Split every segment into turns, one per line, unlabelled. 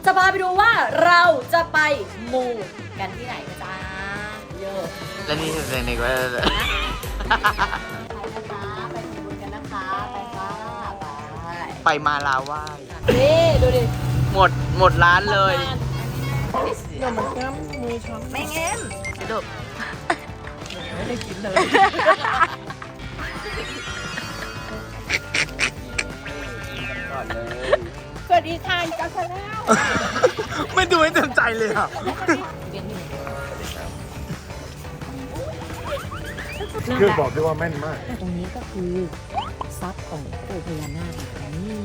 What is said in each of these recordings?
จะพาไปดูว่าเราจะไปมูกันที่ไหนนะจ๊ะเยอะ
และนี่คือเพลงว่า
ไปนะคะไปมูกันนะคะไปค่ะไป
ไปมาลาไหว้
นี่ดูดิ
หมดร้านเลย
เดี๋ยวมันแก้มมือช้ำ
ไม่เงี้ยเดี๋ยวดู
ไม่ได้กินเลย
ก่อนเลย
สวัสดีค่ะจักรแล้ว
ไม่ดูให้เต็มใจเลยอ่ะ
คือบอกได้ว่าแม่นมาก
ตรงนี้ก็คือทรัพย์ของปู่พญานาคนะคะนี่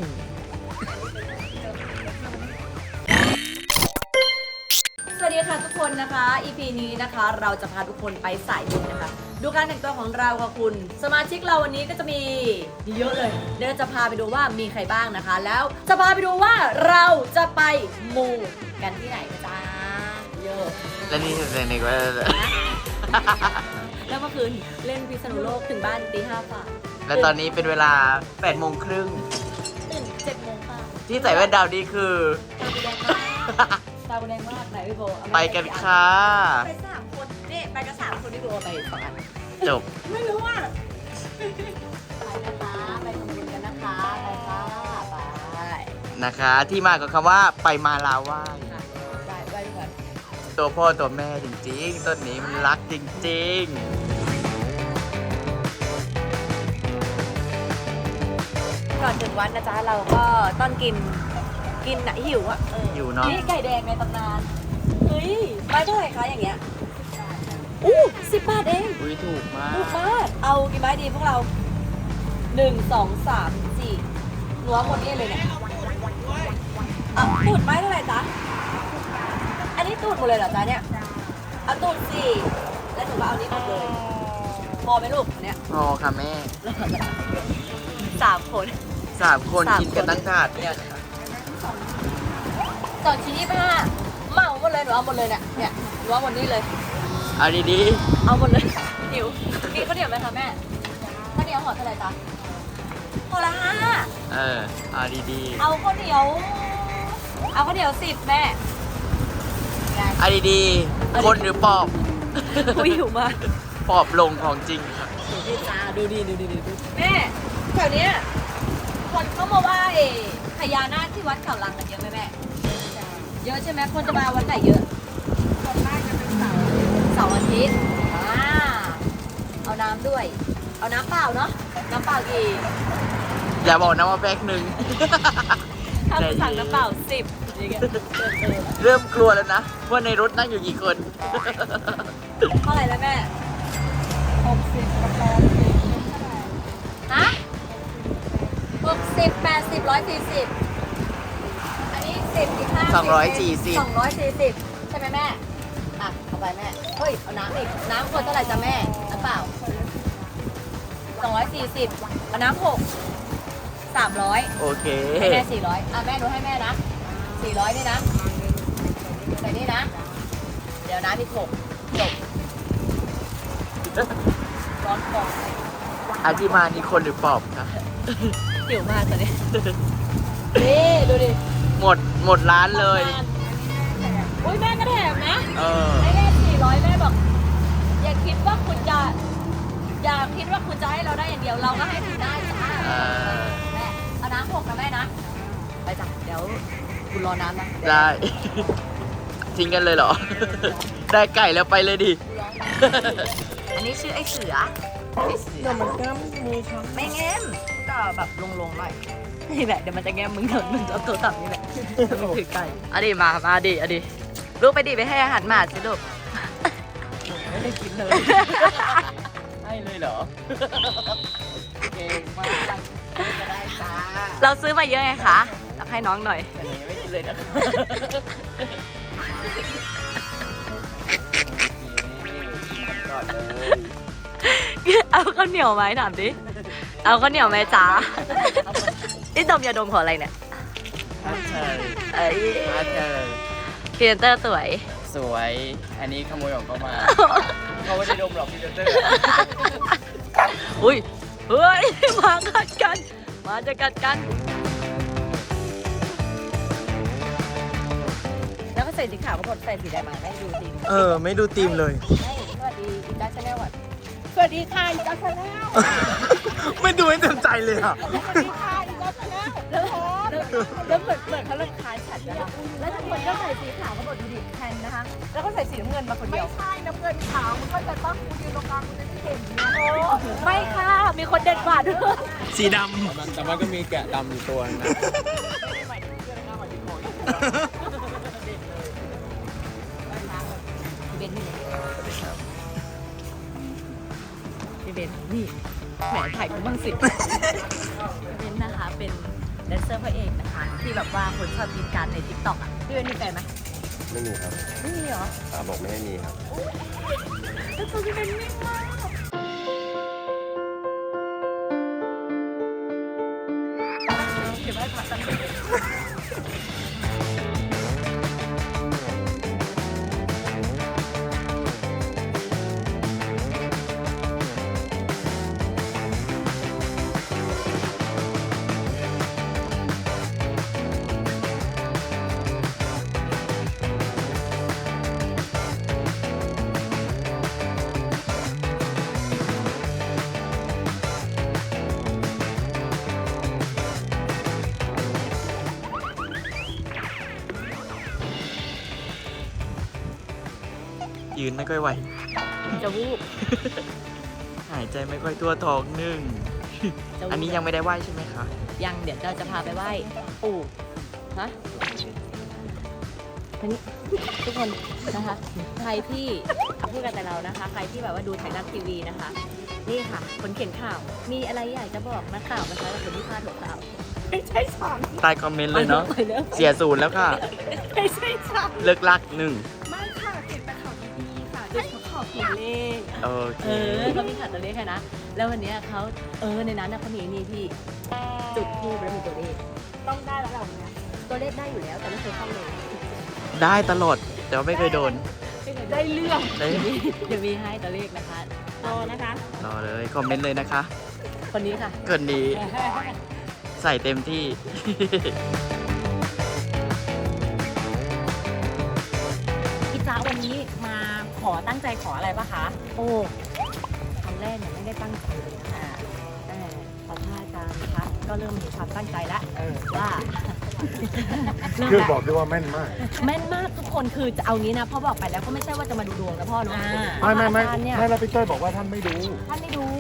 สวัสดีค่ะทุกคนนะคะ EP นี้นะคะเราจะพาทุกคนไปสายบุญนะคะ ดูการแต่งตัวของเราค่ะคุณ สมาชิกเราวันนี้ก็จะมีเยอะเลยเดี๋ยวเราจะพาไปดูว่ามีใครบ้างนะคะ แล้วจะพาไปดูว่าเราจะไปมูกันที่ไหนนะจ๊ะเยอะ
และนี่คือเพลงว่า
แล้วเมื่อคืนเล่นพิษณุโลกถึงบ้านตี 5 ฝ่า
และตอนนี้เป็นเวลา8 โมงครึ่ง
ตื่น7 โมงค่ะ
ที่ใส่แว่นดาวนี่คือ
ตาบูแดงมากไหนพี่โบเอามา
ไปกันค่ะ
ไป3 คนนี่ไปกัน3 คนพี่โบไป2 อัน
จบ
ไม่รู้อ่ะ
ไปนะคะไปทำบุญกันนะคะไปค่ะไป
นะคะ ที่มากับคำว่าไปมาลาไหว้
ค่ะไปก่อน
ตัวพ่อตัวแม่จริงๆต้นนี้มันรักจริง
ก่อนถึงวัดนะจ๊ะเราก็ต้องกินนะหิวอ่ะ
ๆ อยู่เนาะ
นี่ไก่แดงในตำนานเฮ้ยไม้เท่าไหร่คะอย่างเงี้ยอู้10 บาทเอง
อุ้ยถูกมา
ถูก
ก
มากเอากี่ไม้ดีพวกเรา1 2 3 4หนูเอาหมดนี่เลยเนี่ยตูดไม้เท่าไหร่จ๊ะอันนี้ตูดหมดเลยเหรอจ๊ะเนี่ยเอาตูด4แล้วหนูก็เอานี้หมดเลยพอไหมลูกอันเนี้ย
พอค่ะแม่
3 คน
3 คน
3
กินกันตั้งถาดเนี่ย
2 ชิ้น25เหมาหมดเลยหนูเอาหมดเลยเนี่ยหนูเอาหมดนี่เลย
เอาดี
เอาหมดเลยหิวมีข้าวเหนียวไหมคะแม่ข้าวเหนียวห่อเท่าไหร่จ๊ะห่อละ5
ๆ เอาดี
เอาข้าวเหนียว10แม่
ๆเอาดีๆ คนหรือปอบ
กูหิวมาก
ปอบลงของจริงครับ
ดูดิจ้าดูแม่แถวเนี้ยคนเข้ามาไหว้พญานาคที่วัดเขาลังกันเยอะไหมแม่เยอะใช่ไหมคนจะมาวันไหนเยอะคนมากจะเป็นเสาร์อาทิตย์เอาน้ำด้วย เอาน้ำเปล่าเนาะน้ำเปล่ากี่
อย่าบอกนะว่าแพ็คหนึ่ง
ถ้าคุณสั่งน้ำเปล่า10อย่างเงี้ย
เริ่มกลัวแล้วนะ ว่าในรถนั่งอยู่กี่คน
เท่าไหร่แล้วแม่60กับ80ฮะ60 80 140อันนี้10อีก5
240
240ใช่ไหมแม่อ่ะเอาไปแม่เฮ้ยเอาน้ำอีกน้ำขวดเท่าไหร่จ้ะแม่น้ำเปล่า240เอาน้ำ6 300
โอเค
ให้แม่400อ่ะแม่ดูให้แม่นะ400นี่นะใส่นี่นะเดี๋ยวน้ำอีก6จบร้อนคอ
อาที่มานี่คนหรือปอบคะ
หิวมากตอนนี้ นี่ดูดิ
หมดร้านเลย
อุ้ยแม่ก็แถมนะ
ให้
ให้แม่400แม่บอก อย่าคิดว่าคุณจะให้เราได้อย่างเดียวเราก็ให้คุณได้จ้าแม่เอาน้ำ6นะแม่นะไปจ้ะเดี๋ยวคุณรอน้ำนะ
ได้ ทิ้งกันเลยเหรอ ได้ไก่แล้วไปเลยดิ
อันนี้ชื่อไอ้เสือ
เดี๋ยวมันแก้มมือช้ำ
ไม่แง้มก็แบบลงหน่อยนี่แหละเดี๋ยวมันจะแง้มมึงเอาตัวต่ำนี่แหละมึงถือไก่เอาดิมาดิลูกไปดิไปให้อาหารหมาสิลูก
ไม่ได้กินเลย
ให้เลยเหรอ เก่งมากจะได้จ้า
เราซื้อมาเยอะไงคะตักให้น้องหน่อย
แต่นี้ไม่กินเลยนะก่อนเลย
เอาข้าวเหนียวไหมถามดิเอาข้าวเหนียวไหมจ๊ะนี่ดมยาดมของอะไรเนี่ย
อาเธอ
เอ้ย
อาเธอ
พรีเซนเตอร์สวย
สวย อันนี้ขโมยของเขามา เขาไม่ได้ดมหรอกพี่เจอ
อุ้ยเฮ้ยมากัดกันมาจะกัดกันใส่สีขาวก็บอกใส่สีแดงมาให้ดูสิ
ไม่ดูธีมเลย
ให้สวัสดีอีกาชาแนลก่อน
สวัสดีค่ะอีกาชาแนล
ไม่ดูให้เต็มใจเลยอ่ะ
สวัสดีค่ะอีกาชาแนล
แล้วเหมือนเขารำคาญฉันนะคะแล้วทุกคนก็ใส่สีขาวก็บอกดูดิแทนนะคะ แล้วก็ใส่สีน้ำเงินมาคนเดี
ไม่
ยว
ใช่น้ำเงินขาวมันก็จะต้องกูยืนตรงกลางกูจะได้เห็นนะ
ไม่ค่ะ มีคนเด็ดกว่าด้วย
สีด
แต่มันก็มีแกะดำอยู่ตัวนึงนะ
พี่เบนนี่พี่เบนนี่แหมถ่ายกูบ้างสิพี่เบนนะคะเป็นแดนเซอร์พระเอกนะคะ ที่แบบว่าคนชอบกินการในทิกตอกอ่ะพี่เบนมีแฟนไหม
ไม่มีครับ
ไม่มีเหรอ
ตาบอกไม่ให้มีครับ
แล้วตัวพี่เบนนิ่งมากเก็บไว้ผ่าตัด
ำยืนไม่ค่อยไหว
จะวูบ
หายใจไม่ค่อยทั่วท้องนึ่ง
จะวูบ
อันนี้ยังไม่ได้ไหวใช่ไหมคะ
ยังเดี๋ยวเราจะพาไปไหว้ปู่ฮะอันนี้ทุกคนนะคะ ใครที่พูดกันแต่เรานะคะ ใครที่แบบว่าดูไทยรัฐทีวีนะคะ นี่ค่ะ คนเขียนข่าว มีอะไรอยากจะบอกนักข่าวนะคะกับคนที่พลาดหัวข่าว
ไม่ใช่ฉัน
ใต้คอมเมนต์เลยเนาะ
ไปเลย
เสียศูนย์แล้วค่ะ
ไม่ใช่ฉัน
เลิกลักหนึ่ง
ไม่ค่ะติดแต่ข่าวดีๆค่ะโดยเฉพาะข่าวตัวเลข
โอเค
เขามีข่าวตัวเลขแค่นะ แล้ววันเนี้ยเขาในนั้นนะเขามีนี่พี่จุดทูบแล้วมีตัวเลข
ต้องได้แล้วเราเนี่ย
ตัวเลขได้อยู่แล้วแต่ไม่เคยเข้าเลย
ได้ตลอด แต่ว่าไม่เคยโดน
ได้เรื่อง
ได้
เดี๋ยวมีให้ตัวเลขนะคะ
รอนะคะ
รอเลย คอมเมนต์เลยนะคะ
คนนี้ค่ะ
เกินนี้ใส่เต็มที่
พี่จ๊ะวันนี้มาขอตั้งใจขออะไรปะคะ โอ้ครั้งแรกเนี่ยไม่ได้ตั้งใจเลยค่ะแต่พอพระอาจารย์นะคะก็เริ่มมีความตั้งใจแล้วว่าเริ่ม
คือ
แล้ว
บอกได้ว่าแม่นมาก
แม่นมากทุกคนคือจะเอางี้นะพ่อบอกไปแล้วก็ไม่ใช่ว่าจะมาดูดวงกับพ่อเนาะ
ไม่
พระอาจารย์เนี่ย
ไม่แล้วพี่เต้ยบอกว่าท่านไม่ดู
ท่านไม่ดู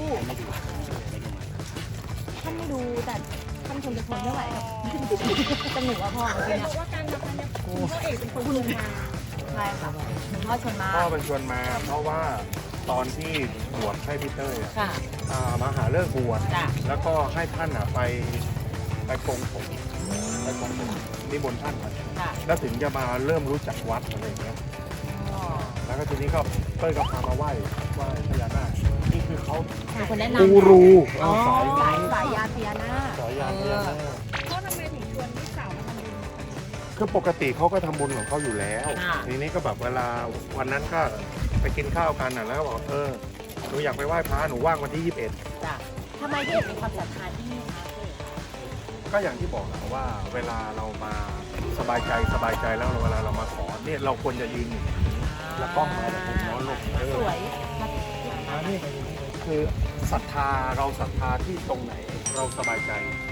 แต่ท่านคงจะทนไม่ไหวหรอกจะหนูว่าพ่อเมื่อกี้เนี่ย
ว่าการทำเนี่ยคุณพ่อเอกเป็นคนลงมา
ใช่ค่ะหลวงพ่อชวนมา
พ่อเป็นชวนมา เพราะว่าตอนที่บวชให้พี่เต้ยอะ
ค่ะ
มาหาเลิกบวช
จ้ะ
แล้วก็ให้ท่านไปปรงผมนิมนต์ท่านมา
ค่ะ
แล้วถึงจะมาเริ่มรู้จักวัดอะไรอย่างเงี้ย แล้วก็ทีนี้ก็เต้ยก็พามาไหว้พญานาคนี่คือเขา
เป็นคนแนะนำ
กูรู
อ๋อ
สาย
สายยานพญานาค
สายยานพญานาค
พ่อทำไมถึงชวนพี่สาวมาทำบุญ
คือปกติเขาก็ทำบุญของเขาอยู่แล้ว
ค่ะ
ทีนี้ก็แบบเวลาวันนั้นก็ไปกินข้าวกันน่ะแล้วก็บอกหนูอยากไปไหว้พระหนูว่างวันที่ 21
จ้ะทำไมถึงมีความศรัทธาที่นี่คะ
ก็อย่างที่บอกนะว่าเวลาเรามาสบายใจแล้วเวลาเรามาขอเนี่ยเราควรจะยืนอย่างนี้แล้วกล้องมาแบบมุมโน้นลง
สวย
นี่คือศรัทธาเราศรัทธาที่ตรงไหนเราสบายใจ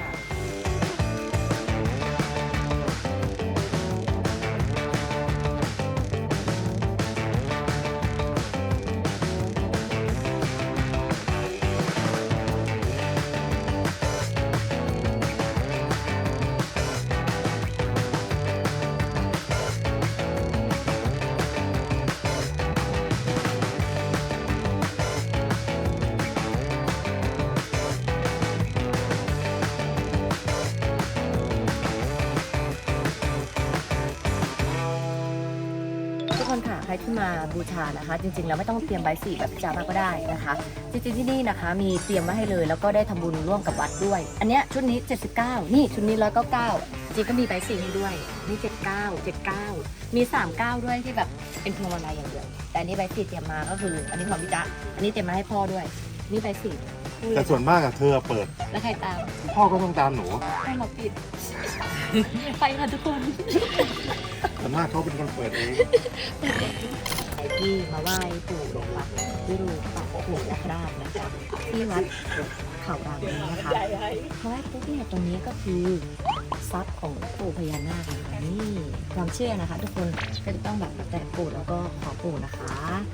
ทุกคนค่ะใครที่มาบูชานะคะ จริงๆแล้วไม่ต้องเตรียมใบสีแบบพิจามาก็ได้นะคะ จริงๆที่นี่นะคะมีเตรียมไว้ให้เลย แล้วก็ได้ทำบุญร่วมกับวัดด้วย อันเนี้ยชุดนี้ 79 นี่ชุดนี้ 199จริงก็มีใบสีให้ด้วยนี่79 79 มี 39 ด้วยที่แบบเป็นพวงมาลัยอย่างเดียวแต่อันนี้ใบสีเตรียมมาก็คือ อันนี้ของพี่จ๊ะอันนี้เตรียมมาให้พ่อด้วย นี่ใบสี
แต่ส่วนมากอะเธอเปิด
แล้วใครตาม
พ่อก็ต้องตามหนู
ให้เราปิด ไปค่ะทุกคน
ส่วนมากเขาเป็นคนเปิดเอง
ใครที่มาไหว้ปู่นะคะวิรูปักปู่ยักษ์ราชนะคะที่วัดเขารามนี้นะคะเพราะว่าปุ๊บเนี่ยตรงนี้ก็คือทรัพย์ของปู่พญานาคนะคะนี่ความเชื่อนะคะ ทุกคนก็จะต้องแบบแตะปู่แล้วก็ขอปู่นะคะ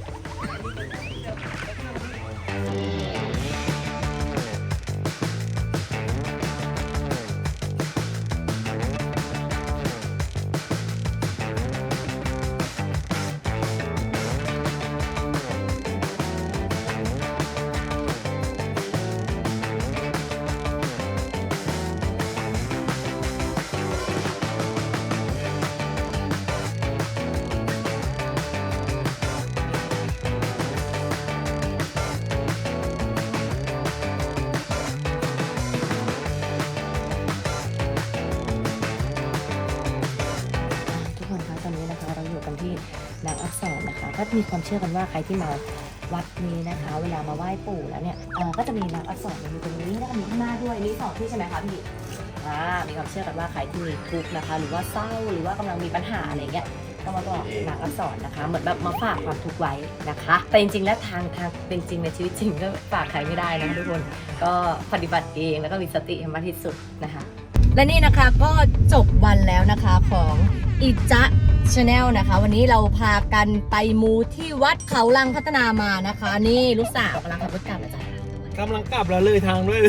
ทุกคนคะตอนนี้นะคะเราอยู่กันที่นางอักษรนะคะก็มีความเชื่อกันว่าใครที่มาวัดนี้นะคะ เวลามาไหว้ปู่แล้วเนี่ยก็จะมีนางอักษรอยู่ตรงนี้แล้วก็มีข้างหน้าด้วยนี่สองที่ใช่ไหมคะพี่มีความเชื่อกันว่าใครที่มีทุกข์นะคะ หรือว่าเศร้าหรือว่ากำลังมีปัญหาอะไรเงี้ยก็มาบอกนางอักษรนะคะ เหมือนแบบมาฝากความทุกข์ไว้นะคะแต่จริงๆแล้วทางเป็นจริงในชีวิตจริงก็ฝากใครไม่ได้นะทุกคนก็ปฏิบัติเองแล้วก็มีสติให้มากที่สุดนะคะและนี่นะคะก็จบวันแล้วนะคะของอิจ๊ะชาแนลนะคะวันนี้เราพากันไปมูที่วัดเขาลังพัฒนามานะคะ นี่ลูกสาวกำลังขับรถกลับนะจ๊ะ
กำลังกลับแล้วเลยทางด้วย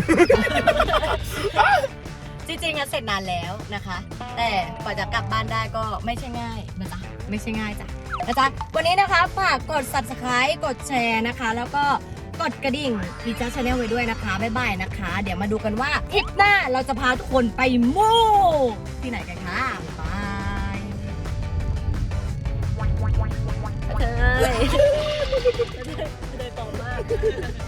จริงๆอะเสร็จนานแล้วนะคะ แต่กว่าจะกลับบ้านได้ก็ไม่ใช่ง่ายนะจ๊ะไม่ใช่ง่ายจ้ะนะจ๊ะวันนี้นะคะฝากกด subscribe กดแชร์นะคะ แล้วก็กดกระดิ่งอีจ๊ะชาแนลไว้ด้วยนะคะบ๊ายบายนะคะ เดี๋ยวมาดูกันว่าทริปหน้าเราจะพาทุกคนไปมูที่ไหนกันคะบายเธอเลยต่อมาก